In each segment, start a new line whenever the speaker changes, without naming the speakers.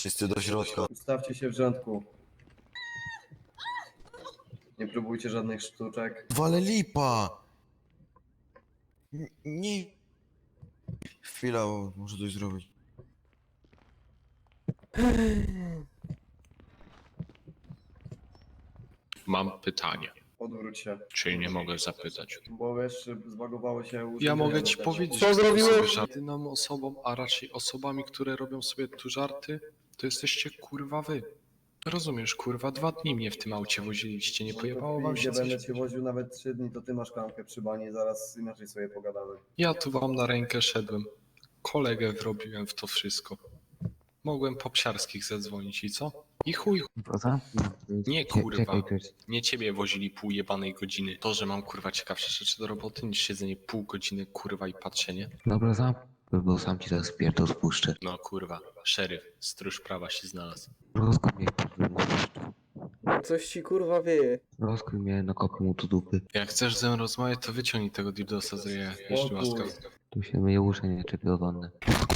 Wszyscy do środka.
Ustawcie się w rządku. Nie próbujcie żadnych sztuczek.
Wale lipa! Nie... Chwila, bo muszę coś zrobić.
Mam pytanie,
Odwróć się.
czy nie mogę zapytać?
Bo wiesz, zbagowało się
Ja
urządzenie
mogę ci
wewnętrzne.
powiedzieć,
Co
że
zrobiłeś?
sobie żadnym osobom, a raczej osobami, które robią sobie tu żarty, to jesteście kurwa wy. Rozumiesz, kurwa, 2 dni mnie w tym aucie woziliście, nie pojebało wam się
Gdzie będę
coś?
cię woził nawet 3 dni, to ty masz klamkę przy bani, zaraz inaczej sobie pogadamy.
Ja tu wam na rękę szedłem. Kolegę wrobiłem w to wszystko. Mogłem po psiarskich zadzwonić i co? I chuj, Nie, kurwa. nie ciebie wozili pół jebanej godziny. To, że mam kurwa ciekawsze rzeczy do roboty niż siedzenie pół godziny kurwa i patrzenie.
Dobra, bo sam ci teraz pierdol spuszczę.
No kurwa, szeryf, stróż prawa się znalazł.
Rozkuj mnie, mówisz.
Coś ci kurwa wieje.
Rozkuj mnie, nakopię mu tu dupy.
Jak chcesz ze mną rozmawiać, to wyciągnij tego dildosa z ryja, jeśli łaskaw.
Tu się myje uszy, nie czepię o wannę.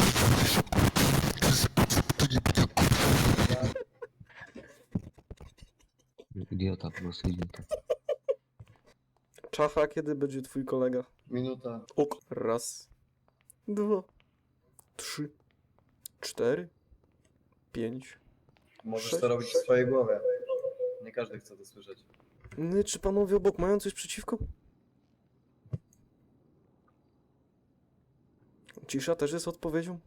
Idiota, po prostu idiota.
Czacha, kiedy będzie twój kolega?
Minuta.
Ok. Raz. 2. 3. 4. 5.
Możesz
6.
to robić w swojej głowie. Nie każdy chce to słyszeć.
Czy panowie obok mają coś przeciwko? Cisza też jest odpowiedzią?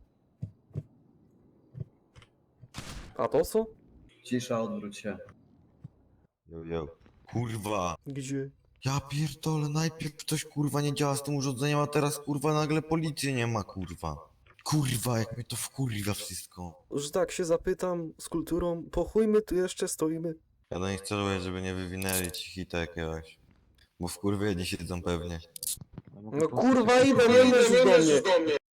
A to co?
Cisza, odwróć się.
Yo. Kurwa.
Gdzie?
Ja pierdolę, najpierw coś kurwa nie działa z tym urządzeniem, a teraz kurwa nagle policji nie ma, kurwa. Kurwa, jak mnie to wkurwa wszystko.
Że tak się zapytam z kulturą, po chuj my tu jeszcze stoimy.
Ja do nich celuję, żeby nie wywinęli ci hita jakiegoś. Bo wkurwieni siedzą pewnie.
No kurwa idę, nie leżysz do mnie.